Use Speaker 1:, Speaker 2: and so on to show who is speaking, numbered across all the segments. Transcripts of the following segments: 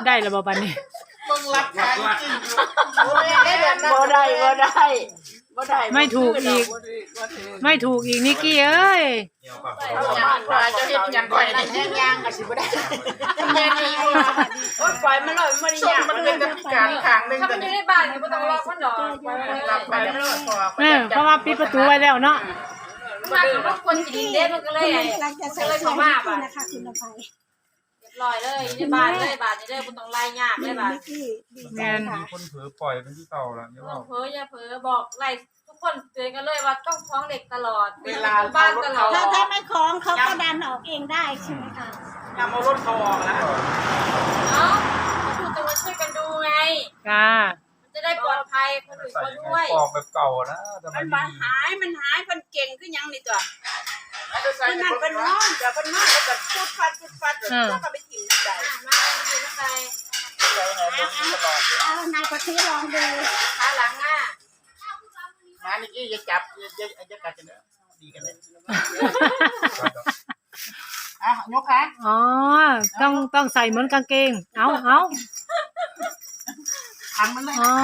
Speaker 1: ได้แล้วบ่บัดนี้
Speaker 2: มึงรับขายจริง
Speaker 3: บ่ได้
Speaker 1: ไม่ถูกอีกไม่ถูกอีกนิกกี้เอ้ย
Speaker 2: จะเห็นยังก่อยนี่แห้งย่างกันสิบ่ได้แม่นี่ว่าปล่อยมันเลยมันไม่ยากมันเป็นพิการขางนึง
Speaker 4: ถ้ามันอยู่ในบ้านก็ต้องล็อกมันดอกไว้เลย
Speaker 2: รับไปแล้ว
Speaker 1: เพราะว่าปิดประตูไว้แล้วเนาะ
Speaker 4: มันคนจีนเด็กมันก็เลย
Speaker 5: กำลังจะใส่เสื้อให้คุณนะคะคุณอภัย
Speaker 4: ลอยเลยในบ้านเลยบ้านนี่เลยมันต้องไล่ยากเลยบ้าน
Speaker 5: นิกกี้ดีใจค่ะ
Speaker 6: คนเผลอปล่อยเป็นที่เต่าแล้วเนี่ย
Speaker 4: ต้องเพ้ออย่าเพ้อบอกไล่ทุกคนเตือนกันเลยว่าต้องท้องเด็กตลอด
Speaker 2: เวลา
Speaker 4: บ้านตลอด
Speaker 5: ถ้าไม่คล้องเขาก็ดันออกเองได้ใช่ไหมคะ
Speaker 2: นำเอารถเขาออกแล้ว
Speaker 4: เนาะคือต้องมาช่วยกันดูไง
Speaker 1: จ้า
Speaker 4: จะได้ปลอดภัยคนอื่น
Speaker 6: ใส่
Speaker 4: คน
Speaker 6: ยัง
Speaker 4: ด้วย
Speaker 6: ไงปอกแบบเก่านะแต่มัน
Speaker 3: มันหายมันเก่งขึ้นยังนี่ตัว
Speaker 2: ใส่
Speaker 3: มันนั่นเป็นน้องเดี๋ยวเป็นน้องแล้วก็ฟุดฟัดแล้วก็ไปถิ่มนั่นใด
Speaker 4: มาดูข้างใน
Speaker 5: เอานายกะทิลองดู
Speaker 4: ขาหลังอ่ะ
Speaker 2: มานี่กี้จะจับจะกัดกันเนอะดีกันเลยอ่ะยกขา
Speaker 1: อ๋อต้องใส่เหมือนกางเกงเอา
Speaker 2: ขังมันเลย
Speaker 1: อ๋อ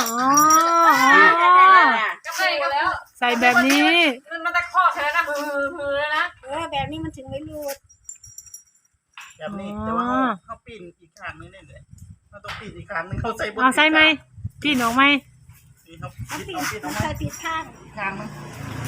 Speaker 4: ก็ไปกันแล้ว
Speaker 1: ใส่แบบนี้
Speaker 4: มันตะคอกแค่นั้นฮือแล้วนะ
Speaker 5: แบบนี้มันถึงไม่รูด
Speaker 2: แบบนี้แต่ว่าเขาปีนอีกข้างนึงนี่เลยเขาต้องปีนอีกข้างนึงเขาใส่บน
Speaker 1: เอาใส่ไหมพี่หนออกไหม
Speaker 2: เขา
Speaker 5: เอา
Speaker 2: ปี
Speaker 5: ปิ
Speaker 2: น
Speaker 5: ด
Speaker 2: เอาปีนเอา
Speaker 5: ใส่ปิดข้าง
Speaker 2: ข้างนึง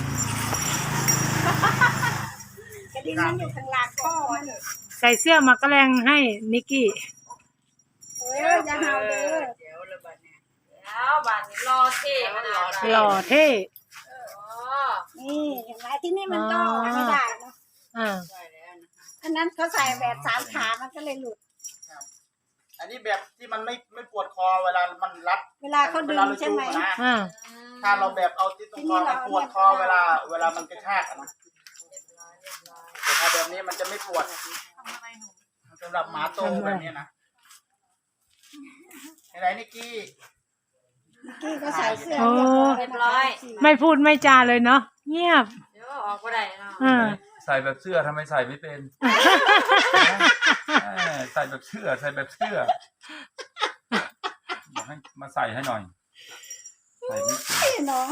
Speaker 5: กระดิ่งมันอยู่ข้างหลังข้อมัน
Speaker 1: ใส่เสื้อมักกะแรงให้นิกกี้
Speaker 5: อย่าเห่าเด้อ
Speaker 4: แล้วบ้านนี้รอเท่ขนาด
Speaker 1: หล่อเท่
Speaker 5: นี่เห็นไหมที่นี่มันก็ไม่ได้เนาะ
Speaker 1: อ่า
Speaker 5: อันนั้นเขาใส่แบบ3 ขามันก็เลยหลุด
Speaker 2: อันนี้แบบที่มันไม่ปวดคอเวลามันรัด
Speaker 5: เวลาเขาดึงใช่ไหม
Speaker 1: อ่า
Speaker 2: ถ้าเราแบบเอาที่ตรงคอมันปวดคอเวลามันกระชากนะแต่ถ้าแบบนี้มันจะไม่ปวดสำหรับหมาโตแบบนี้นะไหนนิกกี้
Speaker 5: นิกกี้ก็ใส่เสื้อ
Speaker 4: เรียบร้อย
Speaker 1: ไม่พูดไม่จาเลยเนาะเงียบ
Speaker 4: เดี๋ยวออกก็ได้เนาะ
Speaker 1: อ่า
Speaker 6: ใส่แบบเสื้อทำไมใส่ไม่เป็นใส่แบบเสื้อใส่แบบเสื้อให้มาใส่ให้หน่อยใส่ไม่เป็น
Speaker 5: เนาะ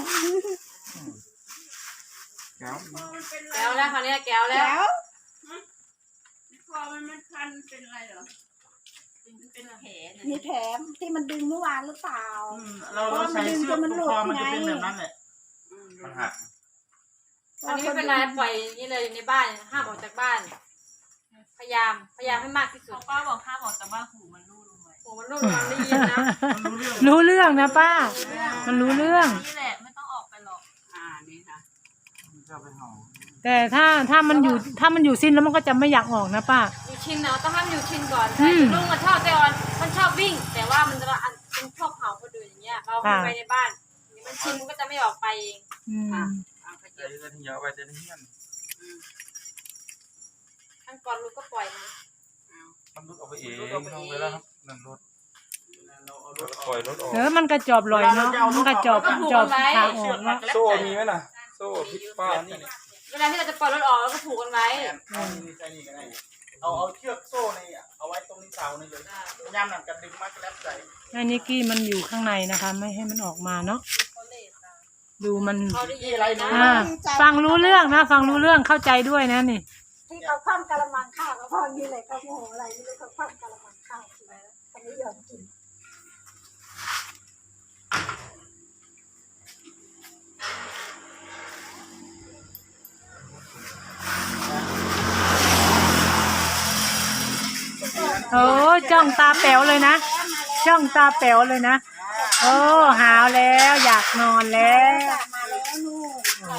Speaker 6: แก้ว
Speaker 4: แก้วแล้วคราวนี้แก้วแล้ว
Speaker 5: แล้ว
Speaker 3: คอมันคันเป็นอะไรเหรอเป็นแผล
Speaker 5: มีแผลที่มันดึงเมื่อวานหรือเปล่า
Speaker 2: เราใส่เสื้อตรงคอมันจะเป็นแบบนั้นแหละ
Speaker 6: มันหัก
Speaker 4: อันนี้ไม่เป็นไรปล่อยนี่เลยในบ้านห้ามออกจากบ้าน พยายามให้มากที่สุด
Speaker 3: ป้าบอกห้ามออกจากบ้านหูมันรูดลงไป
Speaker 4: โอ้มันรุ่นมันได้ยินนะ
Speaker 1: รู้เรื่องนะป้า มันรู้เรื่อง
Speaker 3: นี่แหละไม่ต้องออกไปหรอกนี่ค่ะ
Speaker 6: จะไปเห่า
Speaker 1: แต่ถ้ามันอยู่สิ้นแล้วมันก็จะไม่อยากออกนะป้า
Speaker 4: อยู่ชินเนาะต้องให้มันอยู่ชินก่อน
Speaker 1: อืม
Speaker 4: ลุงมันชอบแต่ออนมันชอบวิ่ง แต่ว่ามันชอบเห่าคนอื่นอย่างเงี้ยเราเข้าไปในบ้านมันชินมันก็จะไม่ออกไปเอง
Speaker 1: อืม
Speaker 6: ใส่จะทิ้งเอาไปจะทิ้งเงี้ย
Speaker 4: ขั้นก่อนลุงก็ปล่อยมัน
Speaker 6: มันรุดออกไปเองเอาไว้แล้วครับนั่นรถปล่อยรถออก
Speaker 1: มันกระจอบลอยเนาะมันกระจอบทางออกเนาะ
Speaker 6: โซ่มีไหมล่ะโซ่พิษป้านี่
Speaker 4: เวลาที่เราจะปล่อยรถออกเราก็ผูกกันไว้
Speaker 2: เอาเชือกโซ่นี่เอาไว้ตรงนี้เสานี่เลยย่ำหนังกันดึงมากแล้วใส่
Speaker 1: ให้นิกกี้มันอยู่ข้างในนะคะ ไม่ให้มันออกมาเนาะดูมัน
Speaker 4: เขาได้ยินอะไรนะ
Speaker 1: ฟังรู้เรื่องนะฟังรู้เรื่องเข้าใจด้วยนะนี่
Speaker 5: ที่เขาคว่ำกะละมังข้าวแล้วพอนี่เลยเขาโมโหอะไรนี่เลยเขาคว่ำกะละมังข้าวใช่ไหมเขาไม่ยอมกิน
Speaker 1: โอ้จ้องตาแป๋วเลยนะจ้องตาแป๋วเลยนะโอ้หาวแล้วอยากนอนแล้ว
Speaker 5: มาแล้วนู่น
Speaker 1: โอ้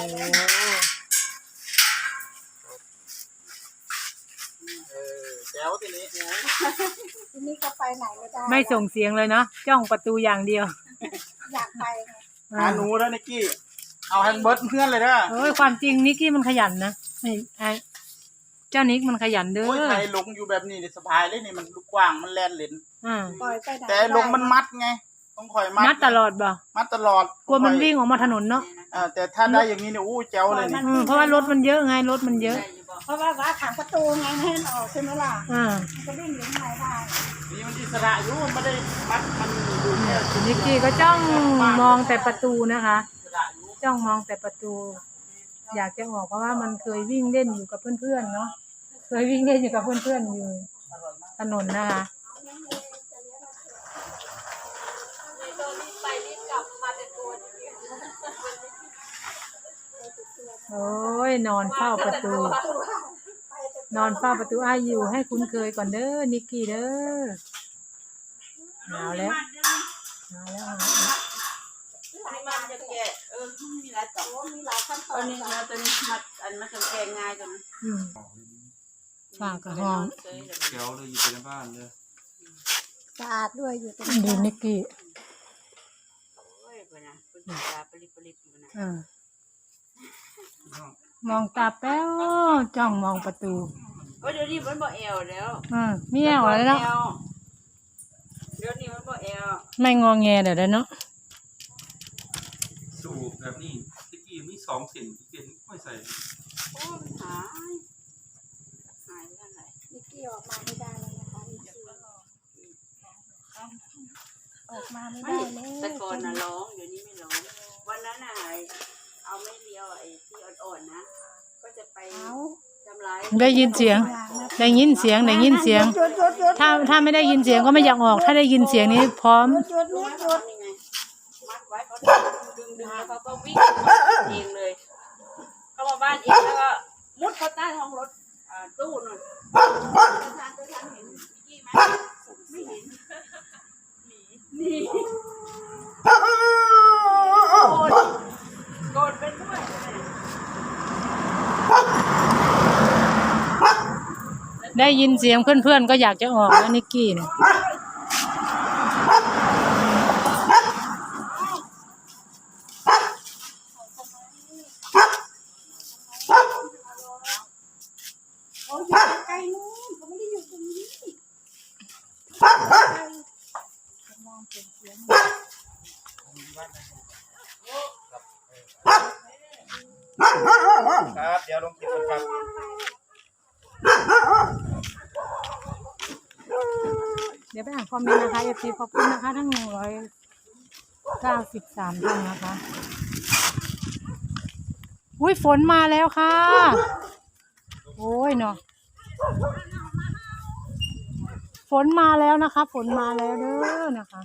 Speaker 2: แจ๋วทีนี้
Speaker 5: ทีนี้ก็ไปไหนไม่ได้
Speaker 1: ไม่ส่งเสียงเลยเนาะจ้องประตูอย่างเดียว
Speaker 5: อยากไป
Speaker 2: หาหนูแล้วนิกกี้เอาให้เบิร์ดเพื่อนเลยนะ
Speaker 1: โอ้ยความจริงนิกกี้มันขยันนะไอ้เจ้านิกมันขยันเด้อ
Speaker 2: โอ้ยใครลงอยู่แบบนี้สบายเลยนี่มันลูกกว้างมันแล่นเล่น
Speaker 5: ปล่อยไปไหน
Speaker 2: แต่ลงมันมัดไงต้องคอยมัด
Speaker 1: มัดตลอดบ่
Speaker 2: มัดตลอด
Speaker 1: กลัวมันวิ่งออกมาถนนเนาะ
Speaker 2: แต่ถ้าได้อย่างนี้เนี่ยอู้เจ๋วเลยนี่
Speaker 1: เพราะว่ารถมันเยอะไงรถมันเยอะ
Speaker 4: ได้อยู่บ่
Speaker 5: เพราะว่าขังประตูไงไม่ให้มันออกใช่ไหมล่ะ
Speaker 1: อ่า
Speaker 5: มันก็วิ่งอยู่ข้างในได้
Speaker 2: นี่มันอิสระอยู่มันไม่ได้มัดมันอยู่แค่
Speaker 1: คุณนิกกี้ก็จ้องมองแต่ประตูนะคะ
Speaker 2: อิสระอยู่
Speaker 1: จ้องมองแต่ประตู อยากจะออกเพราะว่ามันเคยวิ่งเล่นอยู่กับเพื่อนๆเนาะเคยวิ่งเล่นอยู่กับเพื่อนๆอยู่ถนนนะคะ
Speaker 4: โดนรีบไปรีบกลับมาแต่ตัวจริง
Speaker 1: โอ้ยนอนเฝ้าประตู นอนเฝ้าประตูอาอยู่ให้คุ้นเคยก่อนเด้อนิกกี้เด้อหนาวแล้วหนาวแล้ว
Speaker 3: นี่มันจะแกะมีหลายต่อ
Speaker 5: มีหลายขั้นตอ
Speaker 3: อั
Speaker 5: น
Speaker 3: นนี้เราตัวนี้มัดอันมันจะแกะง่ายจัง
Speaker 1: อืมฝากกับห้อง
Speaker 6: เดี๋ยวเลยอยู่ในบ้านเลย
Speaker 5: สะอาดด้วยอยู่ตรง
Speaker 1: ดูนิกกี้
Speaker 3: โอ้ยปะนะคุณตาปริอยู่นะ
Speaker 1: อ่ามองตาแป้วจ้องมองประตู
Speaker 3: โอ้ยเดี๋ยวนี้มันบ่แอวแล้ว
Speaker 1: มีแอวแล้วเนาะ
Speaker 3: เดี๋ยวนี้มันบ่แอว
Speaker 1: ไม่งอแงเดี๋ยวได้เนาะ
Speaker 6: สูบแบบนี้ตะกี้มี2 เส้นไม่ใส่
Speaker 3: โอ้มันหายไปทางไหน
Speaker 5: นิกกี้ออกมาไม่ได้แล้วนะคะนิกกี้ออกมาไม่ได้แล้ว
Speaker 3: แต่ก่อนน่ะร้องเดี๋ยวนี้ไม่ร้องวันนั้นน่ะเอาไม่เดียวไอ้ที่อ่อนๆนะก็จะไป
Speaker 5: เอา
Speaker 3: ทำร้าย
Speaker 1: ได้ยินเสียง ได้ยินเสียงได้ยินเสียง
Speaker 5: หยุดหยุดหยุด
Speaker 1: ถ้าไม่ได้ยินเสียงก็ไม่อยากออก ถ้าได้ยินเสียงนี้พร้อม
Speaker 5: หยุดนิกหยุด
Speaker 3: นี่ไงมัดไว้เขาดึงแล้วเขาก็วิ่งเองเลยเข้ามาบ้านเองแล้วก็มุดเข้าใต้ท้องรถตู้นู่นทางเห็นพี่ไหมไม่เห็นหนีโกรธเป็นด้วย
Speaker 1: ได้ยินเสียงเพื่อนๆก็อยากจะออกแล้วนิกกี้เนี่ย
Speaker 5: เขาอยู่ไกลนู้นเขาไม่ได้อยู่ตรงนี้มองเป็นเสียง
Speaker 2: ครับเดี๋ยวลงคลิปกันครับ
Speaker 1: เดี๋ยวไปอ่านคอมเมนต์นะคะFTขอบคุณนะคะทั้ง193ท่านนะคะ อุ้ยฝนมาแล้วค่ะ โอ้ยเนาะฝนมาแล้วนะคะฝนมาแล้วเด้อนะคะ